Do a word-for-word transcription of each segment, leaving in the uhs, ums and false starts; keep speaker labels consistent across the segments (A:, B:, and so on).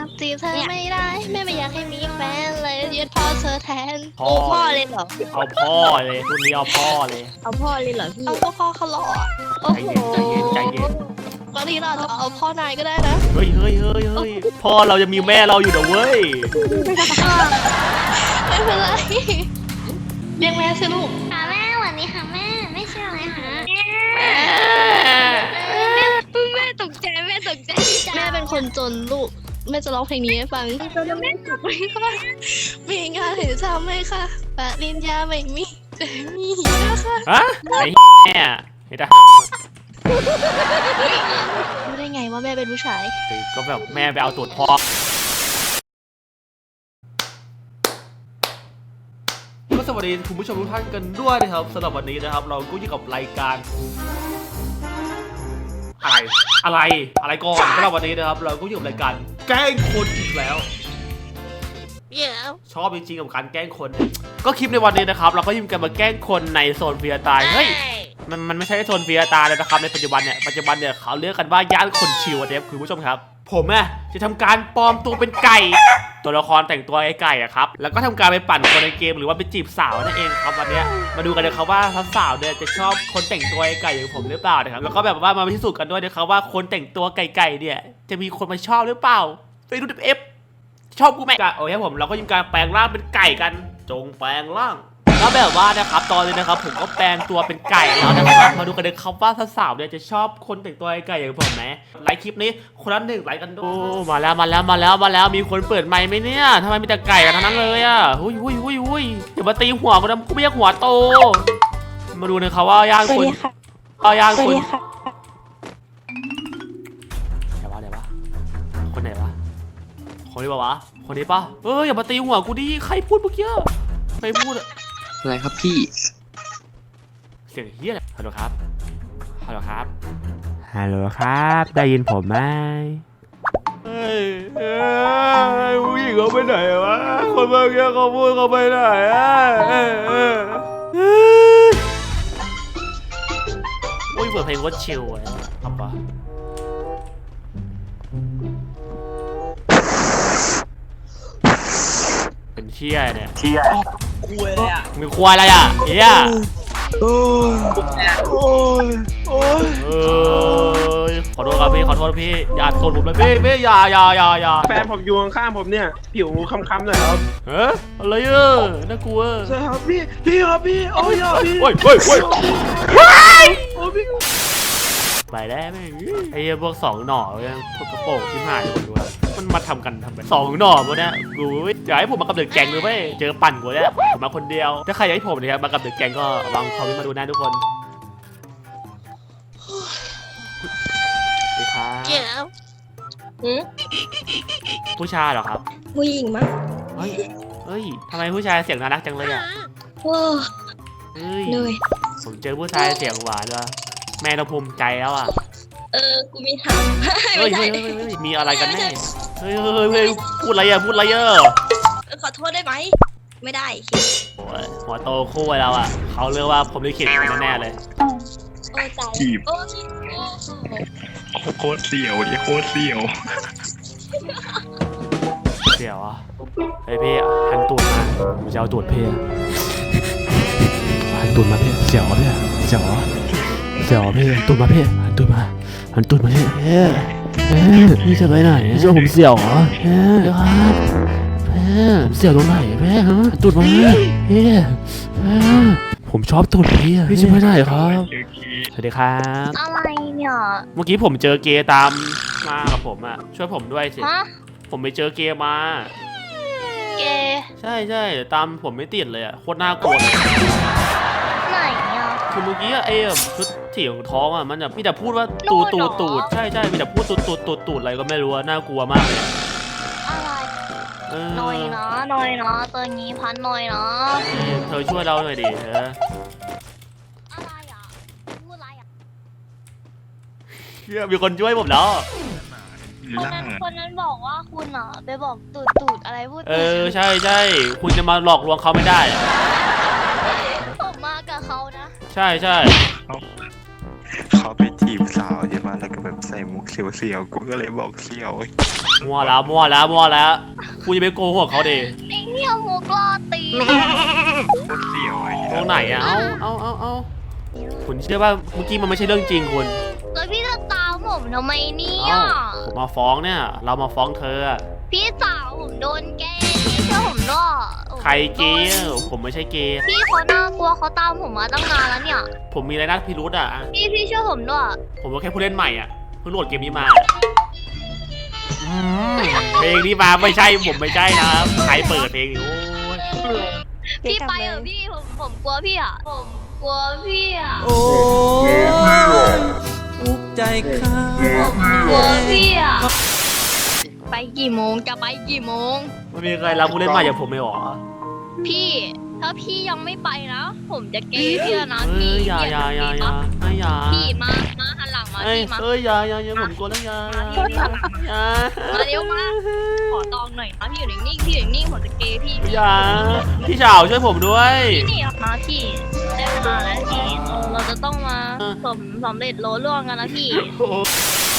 A: จีบเธอไม่ได้แม่ไม่อยากให้มีแฟนเลยยึดพ่อเธอแทน
B: พ่อ
A: โอ้พ่อเลยเหรอ
B: เอาพ่อเลยรุ่นนี้เอาพ่อเลย
C: เอาพ่อเลยเหรอพี่
A: เอาก็พ่อเขาหล่อโอ้
B: ใจ
A: โห
B: เย็นใจเย็นใจเย็น
A: บางทีเราอาจจะเอาพ่อนายก็ได้นะ
B: เฮ้ยเฮ้ยเฮ้ยเฮ้ยพ่อเราจะมีแม่เราอยู่เด้อเว้ย
A: ไม่เป็นไรเรียกแม่สิลูก
D: ค่ะแม่สวัสดีค่ะแม่ไม่ใช่อะไรค่ะ
C: แม่ตกใจแม่ตกใจ
A: แม่เป็นคนจนลูกแม่จะร้องเพลงนี้ให้ฟังแม่ถูกไหมคะมีงานเห็นทำไหมคะปริญญาไม่มีแต่มีนะคะ
B: ฮะไอ้แม่ไอ้ทหาร
A: รู้ได้ไงว่าแม่เป็นผู้ชาย
B: ก็แบบแม่ไปเอาตูดพ่อก็สวัสดีคุณผู้ชมทุกท่านกันด้วยนะครับสำหรับวันนี้นะครับ เราก็อยู่กับรายการอะไรอะไรอะไรก่อนสำหรับวันนี้นะครับ เราก็อยู่กับรายการแกล้งคนอีกแล้ว
A: เดี๋ยว
B: ชอบจริงๆกับการแกล้งคนเนี่ยก็คลิปในวันนี้นะครับ เราก็ยิ่งกันมาแกล้งคนในโซนเฟียตายเฮ้ยมันมันไม่ใช่โซนเฟียตายเลยนะครับในปัจจุบันเนี่ยปัจจุบันเนี่ยเขาเรียกกันว่าย่านคนชิวนะครับคุณผู้ชมครับผมอะจะทำการปลอมตัวเป็นไก่ตัวละครแต่งตัวไอ้ไก่อะครับแล้วก็ทำการไปปั่นคนในเกมหรือว่าไปจีบสาวนั่นเองครับวันนี้มาดูกันนะครับว่าสาวๆเนี่ยจะชอบคนแต่งตัวไอ้ไก่อย่างผมหรือเปล่านะครับแล้วก็แบบว่ามาพิสูจน์กันด้วยนะครับว่าคนแต่งตัวไก่ๆเนี่ยจะมีคนมาชอบหรือเปล่าไปดูเอฟชอบกูไหมโอเคผมเราก็ยิ่งการแปลงร่างเป็นไก่กันจงแปลงร่างแล้วแบบว่านะครับตอนนี้นะครับผมก็แปลงตัวเป็นไก่แล้วนะครับมาดูกันเลยครับว่าสาวๆเนี่ยจะชอบคนแต่งตัวไก่อย่างผมไหมไลค์คลิปนี้คนละหนึ่งไลค์กันด้วยโอ้มาแล้วมาแล้วมาแล้วมาแล้วมีคนเปิดไมค์ไหมเนี่ยทำไมมีแต่ไก่กันทั้งนั้นเลยอ่ะหุ้ยหุ้ยหุ้ยหุ้ยอย่ามาตีหัวกูนะกูไม่อยากหัวโตมาดูนะครับว่าย่างคนก็ย่างคนไหนวะไหนวะคนไหนวะคนนี้ปะวะคนนี้ปะเอออย่ามาตีหัวกูดิใครพูดเมื่อกี้ใครพูดอะ
E: อะไรครับพี่
B: เสียงเฮียอะไรฮัลโหลครับ ฮัลโหลครับ ฮัลโหลครับ ได้ยินผมไหมเฮ้ยเฮ้ยผู้หญิงเขาไปไหนวะ คนเมื่อกี้เขาพูดเขาไปไหนอ่ะอุ้ยเปิดเพลงว่าชิลไว้ครับปะเป็นเชี่ยเนี่ยเชี่ยคุยอะไรอ่ะมีควายอะไรอ่ะเฮียโอ้ยโอ้ยโอ้ยเอ้ยขอโทษครับพี่ขอโทษพี่อย่าโกรธผมเลยพี่พี่อย่าอย่าอย่าอย่า
F: แฟนผมอยู่ข้างๆผมเนี่ยผิวค้ำๆหน่อยครับ
B: เฮ้ยอะไรเอ่ะน่ากลัว
F: ใช่ครับพี่พี่ครับพี่โอ้ยอ่ะพี่
B: โอ้ยโอ้ยโอ้ย
F: โอ้ยพี่
B: ไปแล้วแม่งไอ้พวกสองหน่อยังพวกกระโปรงที่หายหมดด้วยมันมาทำกันทำไมสองหน่อพวกเนี้ยกูอยากให้ผมมากับเด็กแกงเลยเว้ยเจอปั่นกูเนี่ยผมมาคนเดียวถ้าใครอยากให้ผมนะครับมากับเด็กแกงก็วางคอมเมนต์มาดูนะทุกคนสวัสดีครับ
A: เดี๋ยว
C: หืม
B: ผู้ชายเหรอครับ
C: ผู้หญิงมั้ง
B: เฮ้ยเฮ้ยทำไมผู้ชายเสียงน่ารักจังเลยอ่ะ
C: โอ้
B: เฮ้ย
C: เหนื่อย
B: ผมเจอผู้ชายเสียงหวานว่ะแม่เราภูมิใจแล้วอ่ะ
C: เออกูมีถาม
B: เฮ้ยเฮ้ยเฮ้ยเฮ้ยมีอะไรกันแน่เฮ้ยเฮ้ยเฮ้ยพูดอะไรอ่ะพูดอะไรอ่ะ
C: ขอโทษได้ไหมไม่ได้
B: โอ้ยหัวโตคู่เราอ่ะเขาเรียกว่าผมลิขิตแน่ๆเลย
C: โอ้ใจ
E: จีบ
C: โอ้
E: โคตรเสียวดิโคตรเสียว
B: เสียวอ่ะเฮ้ยพี่หันตูดมาผมจะเอาตูดพี่หันตูดมาพี่เสียวพี่เสียวเสียวพี่ตูดมาพี่หันตูดมาหันตูดมาพี่เฮ้ยเฮ้ยพี่จะไปไหนเจ้าผมเสียวเหรอเฮ้ยครับเฮ้ยผมเสียวตรงไหนพี่ฮะตูดมาพี่เฮ้ยผมชอบตูดพี่พี่จะไปไหนครับสวัสดีครับ
D: อะไรเนี่ย
B: เมื่อกี้ผมเจอเกย์ตามมากับผมอ่ะช่วยผมด้วยสิ
D: ฮะ
B: ผมไปเจอเกย์มา
A: เกย์
B: ใช่ใช่ตามผมไม่ติดเลยอ่ะโคตรน่ากลัวเลย
D: ไหนอ่ะ
B: คือเมื่อกี้ไอ้แบบชุดเถียงท้องอ่ะมันแบบมีแต่พูดว่าตูดตูดตูดใช่ใช่มีแต่พูดตูดตูดตูดตูดอะไรก็ไม่รู้อะน่ากลัวมากเลย
D: อะไร
B: เออ
D: หน่อยนะหน่อยนะตัวนี้พันหน่อยนะ
B: เธอช่วยเราหน่อยดิเธอ
D: อะไรอ่ะพูดอะไรอ่ะ
B: เชี่ยมีคนช่วยผมแล้ว
D: คนนั้นคนนั้นบอกว่าคุณอ่ะไปบอกตูดตูดอะไรพูด
B: เออใช่ใช่คุณจะมาหลอกลวงเขาไม่ได้อะ
D: ผมมากับเขานะ
B: ใช่ใช่
E: เขาไปจีบสาวใช่ไหมแล้วก็แบบใส่มุกเสียวๆกูก็เลยบอกเสียว
B: มัวแล้วมัวแล้วมัวแล้วกูจะไปโกหกเขาดิ
D: ไอ้เนี่ยมุกล่อตี
E: โคตรเสียวไอ้
B: ตรงไหนอะเอาเอาเอาเอาคุณเชื่อว่าเมื่อกี้มันไม่ใช่เรื่องจริงคุณ
D: แล้วพี่จะตามผมทำไมเนี่ย
B: เอ้าผมมาฟ้องเนี่ย เรามาฟ้องเธอ
D: พี่สาวผมโดนแกล้งพี่เชื่อผมด้วย
B: ใครเกย์ผมไม่ใช่เกย์
D: พี่เขาน่ากลัวเขาตามผมมาตั้งนานแล้วเนี่ย
B: ผมมีอะไรน่าพิรุธอะ
D: พี่พี่เชื่อผมด้วย
B: ผมก็แค่ผู้เล่นใหม่อ่ะเพิ่งโหลดเกมนี้มาอืมเพลงนี้มาไม่ใช่ผมไม่ใช่นะครับใครเปิดเพลงนี้โอ้ย
D: พี่ไปเถอะพี่ผมผมกลัวพี่อ่ะผมกลัวพี่อ่ะ
G: โอ้อุกใจข้า
D: ผมกลัวพี่อ่ะไปกี่โมงจะไปกี่โมง
B: ไม่มีใครรับผู้เล่นใหม่อย่างผมเลยหรอ
D: พี่ถ้าพี่ยังไม่ไปนะ ผมจะเกย์พี่แล้วนะ
B: เอ้
D: พี่
B: ยอย่าอย่าอย่าอย่าไม่อย่า
D: พี่มามาหันหลังมา
B: เอ้ย
D: พี่มา
B: เอ้ยอย่าอย่าอย่าผมกลัวแล้วอย่า
D: มาพี่พี่หันหลังมา
B: อย่า
D: มาเร็วมาขอตองหน่อยนะพี่อยู่นิ่งๆพี่อยู่นิ่งๆผมจะเกย์พี่พี่
B: อย่าพี่สาวช่วยผมด้วย
D: นี่นะพี่ได้เวลาแล้วพี่เราจะต้องมาสมสำเร็จโลล่วงกันนะพี่
B: โอ้ย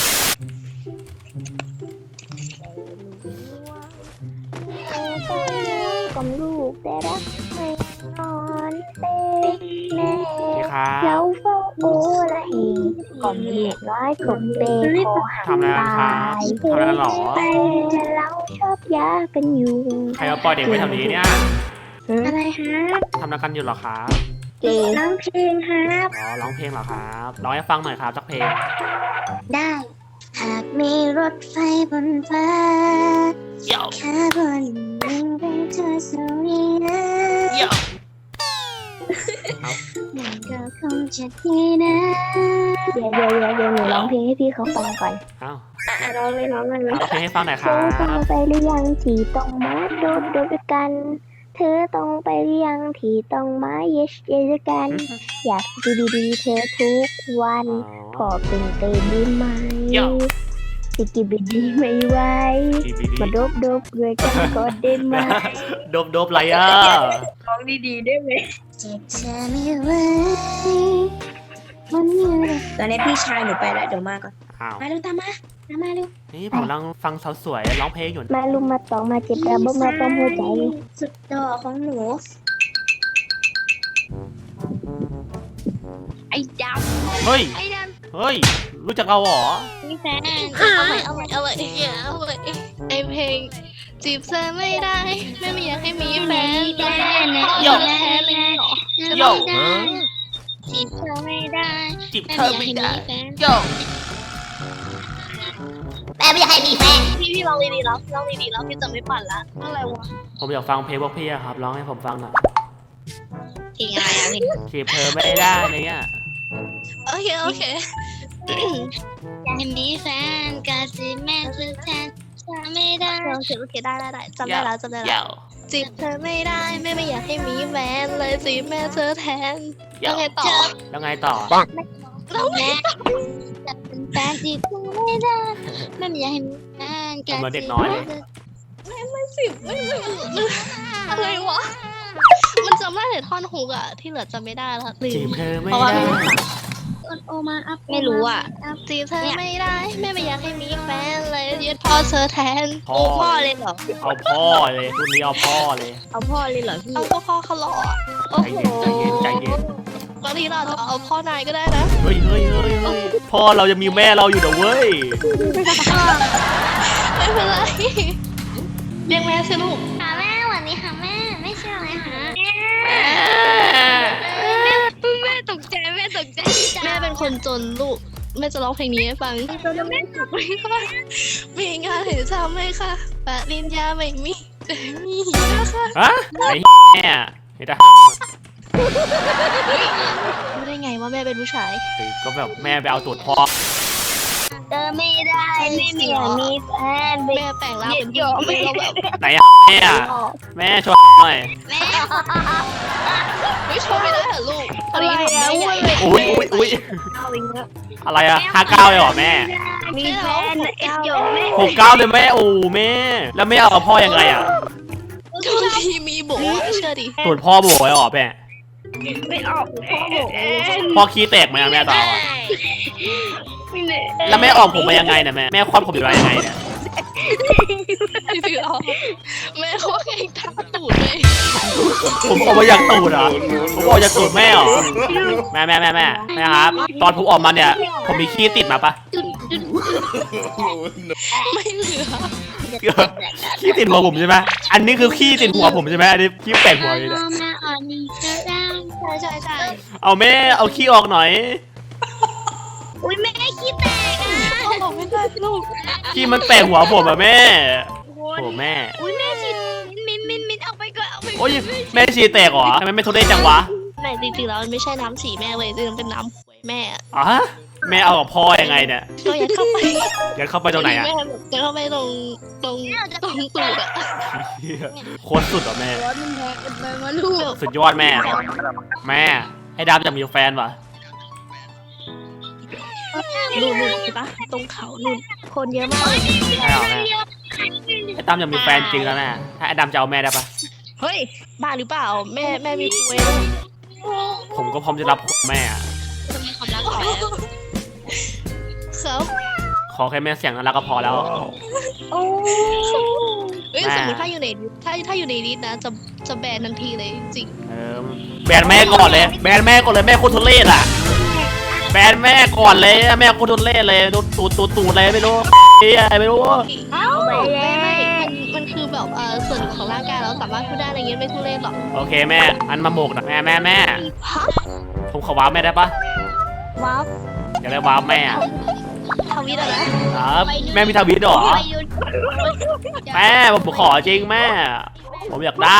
H: กับลูกแต่รักไม่นอนเต้แม่
B: นี่ครับ
H: แล้วเฝ้าโอละเองก่อนเด็กน้อยกลมเตะคอหัก
B: ทำอะไรกันครับทำอะไรกันหรอ
H: แต่เราชอบยากันอยู่
B: ใครมาปล่อยเด็กไว้แถวนี้เนี่ย
H: อะไรฮะ
B: ทำอะไรกันอยู่เหรอครับ
H: เก๋ร้องเพลงครับ
B: อ๋อร้องเพลงเหรอครับร้องให้ฟังหน่อยครับสักเพลง
H: ได้ หากมีรถไฟบนฟ้า
B: เดี๋ยว
H: แค่บนหนึ่งเป็นเธอสวีนะ
B: เดี๋ยว
H: มันก็คงจะดีนะเดี๋ยวเดี๋ยวเดี๋ยวเดี๋ยวหนูร้องเพลงให้พี่เขาฟังก่อน
B: เอ้า
H: อ่ะร้องเลยร้องเลย
B: ร้องเพลงให้ฟังหน่อยค
H: เธ
B: รั
H: อต้อง
B: บ
H: ไปหรือยังที่ต้องมาโดดโดดด้วยกัน เธอต้องไปหรือยังที่ต้องมาเยสเยสกัน อยากดูดีๆเธอทุกวันขอเป็นเตดีไหมสิกิบิดีไม่ไหว
B: ดีดีดี
H: มาโดบโดบด้วยกันก็ได้ไหม
B: โดบโดบไรอ่ะ
C: ร้องดีๆได้ไหม
H: เจ็บเธอไม่ไหวมันมีอะไร
C: ตอนนี้พี่ชายหนูไปแล้วเดี๋ยวมาก่อน
B: อ้าว
C: มาเร็วตามมาตามมาเร็ว
B: นี่ผมกำลังฟังสาวสวยร้องเพลงอยู่
H: มาลุมมาตองมาเจ็บระบบมาต้มหัวใจ
C: สุดดอกของหนู
D: ไอ้ด
B: เฮ้ย
D: ำไอ้ด
B: เฮ้ยรู้จักเราเหรอ
D: ำมีแฟน
A: เอาใหม่เอาใหม่เอาใหม่เอาใหม่ไอเพลงจีบเธอไม่ได้ไม่ไม่อยากให้มีแฟน
B: โย่
A: แพ้เลยเหรอ
B: โย่
D: จีบเธอไม่ได้
B: จีบเธอไม่ได้
D: แฟน
B: โย่
H: แม่ไม่อยากให้มีแฟน
A: พี่พี่ลองดีๆแล้วลองดีๆแล้วพี่จะไม่ปั่นละอะไรวะ
B: ผมอยากฟังเพลงพวกพี่อะครับร้องให้ผมฟังหน่อย
A: เพลงอะไรอะเพลง
B: จีบเธอไม่ได้อะไรเงี้ย
A: โอเคโอเค
D: อยากมีแฟนกะสิแม่ซื้อแทนจะไม่ได้
A: โอเคโอเคได้ได้ได้จำได้แล้วจำได้
B: โย่
A: แล้วจีบเธอไม่ได้แม่ไม่อยากให้มีแฟนเลยจีบแม่เธอแทน
B: โย่
A: แล้วไงต่อ
B: แล้วไงต่อ
A: แล้วไง
D: แม่จะเป็นแฟนจีบเธอไม่ได้แม่ไม่อยากให้มีแฟนกะ
B: เหมือนเด็
D: สิ
B: กน้อยเลย
A: ไม่สิไม่ไม่ไม่อะไรวะมันจำได้แต่ท่อนฮุกอะที่เหลือจำไม่ได้แล้วลื
B: จีบ
A: ม
B: เธอไม่
A: เพราะว่า
B: ได้
A: ไม่ได้
H: โอมาอัพ
A: ไม่รู้อ่ะจีบเธอไม่ได้แม่ไม่อยากให้มีแฟนเลยยึดพ่อเธอแทน
B: พ่อ
C: พ่อเลยเหรอ
B: เอาพ่อเลยรุ่นนี้เอาพ่อเลย
C: เอาพ่อเลยเหรอพี่
A: เอาก็พ่อเขาหล่ออะโอ้
B: ใจ
A: โห
B: เย็นใจเย็นใจเย็น
A: บางทีเราจะเอาพ่อนายก็ได้นะ
B: เฮ้ยเฮ้ยเฮ้ยเฮ้ยพ่อเรายังมีแม่เราอยู่เด้อเว้ย
A: ไม่เป็นไรเรียกแม่สิลูก
D: ค่ะแม่สวัสดีค่ะแม่ไม่ใช่อะไรค่ะแม่ตกใจแม่ตกใจ
A: แม่เป็นคนจนลูกแม่จะร้องเพลงนี้ให้ฟังจนแม่ถูกไหมคะมีงานเห็นทำไหมคะปริญญาไม่มีแต่มีนะคะ
B: ฮะไอ้แม่ไอ้ทหาร
A: รู้ได้ไงว่าแม่เป็นผู้ชาย
B: ก็แบบแม่ไปเอาตูดพ่อ
D: เจอไม่ได้ไม่มีมีแฟน
A: แม่แปลงร่างเป็นผู้หญิงแล้วแบบ
B: ไหนอะแม่อะแม่ช่วยหน่อย
D: แม่
A: ไม่ชอบไม่ได้เหรอลูกพอดีผมแม่ใหญ่
B: อุ้ยอุ้ยอุ้ยอะไรอะห้าเก้าเลยเหรอแม่
A: มีแฟนเอ็ดโยแม่
B: หกเก้าเลยแม่โอ้แม่ แล้วแม่เอากับพ่อยังไงอะ
A: ทุกทีมีโบเชื่อดิ
B: ตูดพ่อโบยเหรอแม่
D: ไม่ออกเลย
B: พ่อขี้แตกไหมอะแม่ต่ออะแล้วแม่ออกผมมายังไงเนี่ยแม่แม่คลอดผมอยู่ได้ยังไงเนี่ย
A: ไม่ถือออกแม่เขาแข่งทักตูดเลย
B: ผมออกมาจากตูดเหรอผมออกจากตูดแม่เหรอแม่แม่แม่แม่แม่ครับ ตอนผมออกมาเนี่ย ผมมีขี้ติดมาปะ
A: ไม่เหลือ
B: ขี้ติดหัวผมใช่ไหมอันนี้คือขี้ติดหัวผมใช่ไหมอันนี้ขี้แปลกหัวเลยเนี่ย
C: มาอ่อนนี่ก็ได้
A: ใช่ใช่ใช่
B: เอาแม่เอาขี้ออกหน่อย
C: อุ้ยแม่ขี้แตกอ่ะ
A: ออกไม่ได้ลูก
B: ขี้มันแตกหัวผมอะแม่โอ้แม่
C: อุ้ยแม่ฉีดมินมินมินออกไปก่อนออกไป
B: โอ้ยแม่ชีแตกเหรอทำไมไม่ทุเรศจังวะ
A: แต่จริงๆแล้วมันไม่ใช่น้ำสีแม่เลยจริงๆเป็นน้ำหวยแม่อะ
B: อ๋อแม่เอากับพ่อยังไงเนี่ย
A: ก็ยัดเข้าไป
B: ยัดเข้าไปตรงไหนอะ
A: แม่แบบยัดเข้าไปตรงตรงตรงตูดอะ
B: โคตรสุดเหรอแม่
C: ร้อนมันแพ้กันไปมาลูก
B: สุดยอดแม่ แม่ไอ้ดำจะมีแฟนวะ
A: นู่นนู่นใช่ปะตรงเขานู่นคนเยอะมากเลย
B: ไม่เอาแม่ไอ้ดำจะมีแฟนจริงแล้วแม่ถ้าไอ้ดำจะเอาแม่ได้ปะ
A: เฮ้ยบ้าหรือเปล่าแม่แม่มีคุย
B: ผมก็พร้อมจะรับแม่อะ
C: จะมีความรักต่อแล้ว
A: เขา
B: ขอแค่แม่เสียงน่ารักก็พอแล้ว
A: เฮ้ย
B: แม่
A: สมมติถ้าอยู่ในถ้าถ้าอยู่ในนี้นะจะจะแบนทันทีเลยจริง
B: เออแบนแม่ก่อนเลย แบนแม่ก่อนเลยแม่โคตรทุเรศอ่ะแบนแม่ก่อนเลยแม่โคตรทุเรศเลยตูดตูดตูดตูดเลยไม่รู้เฮ้ยไม่รู้
A: เอ้าไม่ไม่มันมันคือแบบเออส่วนหนึ่งของร่างกายเราสามารถพูดได้อะไรเงี้ยไม่ทุเรศหรอก
B: โอเคแม่อันมาโมกนะแม่แม่แม่ผมขอว้าวแม่ได้ปะ
A: ว้าว
B: อยากได้ว้าวแม่อะ
A: ทวิตอะนะครับ
B: แม่มีทวิตเหรอ
C: ไปยืน
B: แม่ผมขอจริงแม่ ผมอยากได้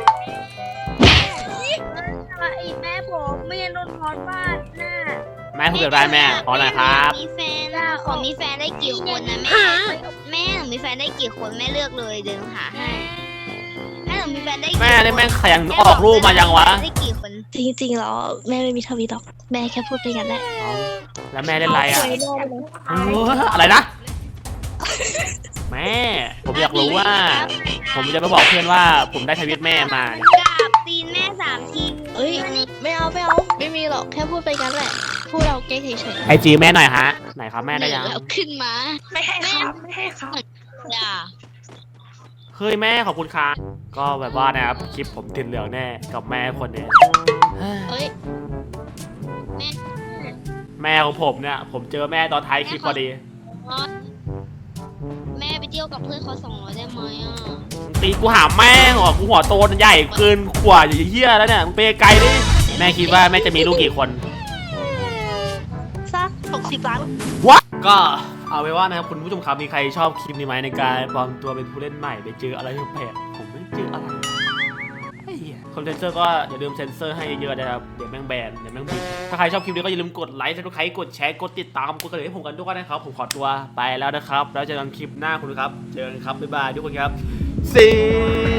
C: ไอ้แม่ผมไม่ยันโดนพอดบ้านน่ะ
B: แม่ผมอยากได้แม่ขอหน่อยครับ
C: มีแฟนอ่ะขอมีแฟนได้กี่คนนะแม่ แม่หนูมีแฟนได้กี่คนแม่เลือกเลยเดินหาให้แม่หนูมีแฟนได้กี่คน
B: แม่นี่แม่งขยันออกรูปมายังวะ
C: ได้กี่คน
A: จริงๆแล้วแม่ไม่มีทวิตหรอกแม่แค่พูดไปกันแหละ
B: เอาแล้วแม่เล่นอะไรอ่ะเอออะไรนะ แม่ ผมอยากรู้ว่า ผมจะไปบอกเพื่อนว่าผมได้ทวิตแม่มาเนี่ย
C: กราบตีนแม่สามที
A: เอ้ยไม่เอาไม่เอาไม่มีหรอกแค่พูดไปกันแหละพูดเราเก๊กเฉย
B: ไอจีแม่หน่อยฮะ ไหนครับแม่
A: ๆ
B: ได้ยัง
A: แล้วขึ้นมา
C: ไม่ให้ครับไม่ให้ครับอย่า
B: เฮ้ยแม่ขอบคุณครับก็แบบว่านะครับคลิปผมติดเหลืองแน่กับแม่คนเนี้ย
A: เอ้ย
B: แม่ของผมเนี่ย ผมเจอแม่ตอนท้ายคลิปพอดี
C: แม่ไปเที่ยวกับเพื่อนเขาสองร้อยได้ไหมอ่ะ
B: ตีกูหาแม่งเหรอกูหัวโตใหญ่เกินกว่าอย่างเหี้ยแล้วเนี่ยมึงไปไกลดิแม่คิดว่าแม่จะมีลูกกี่คน
A: สักหกสิบล้าน
B: วะก็เอาไว้ว่านะครับคุณผู้ชมครับมีใครชอบคลิปนี้ไหมในการปลอมตัวเป็นผู้เล่นใหม่ไปเจออะไรแปลกๆผมไม่เจออะไรไอ้เหี้ยคนเซนเซอร์ก็อย่าลืมเซนเซอร์ให้เยอะๆนะครับเดี๋ยวแม่งแบนเดี๋ยวแม่งบินถ้าใครชอบคลิปนี้ก็อย่าลืมกดไลค์ถ้าใครกดแชร์กดติดตามกดกระดิ่งให้ผมกันด้วยนะครับผมขอตัวไปแล้วนะครับแล้วเจอกันคลิปหน้าคุณครับเจอกันครับบ๊ายบายทุกคนครับ See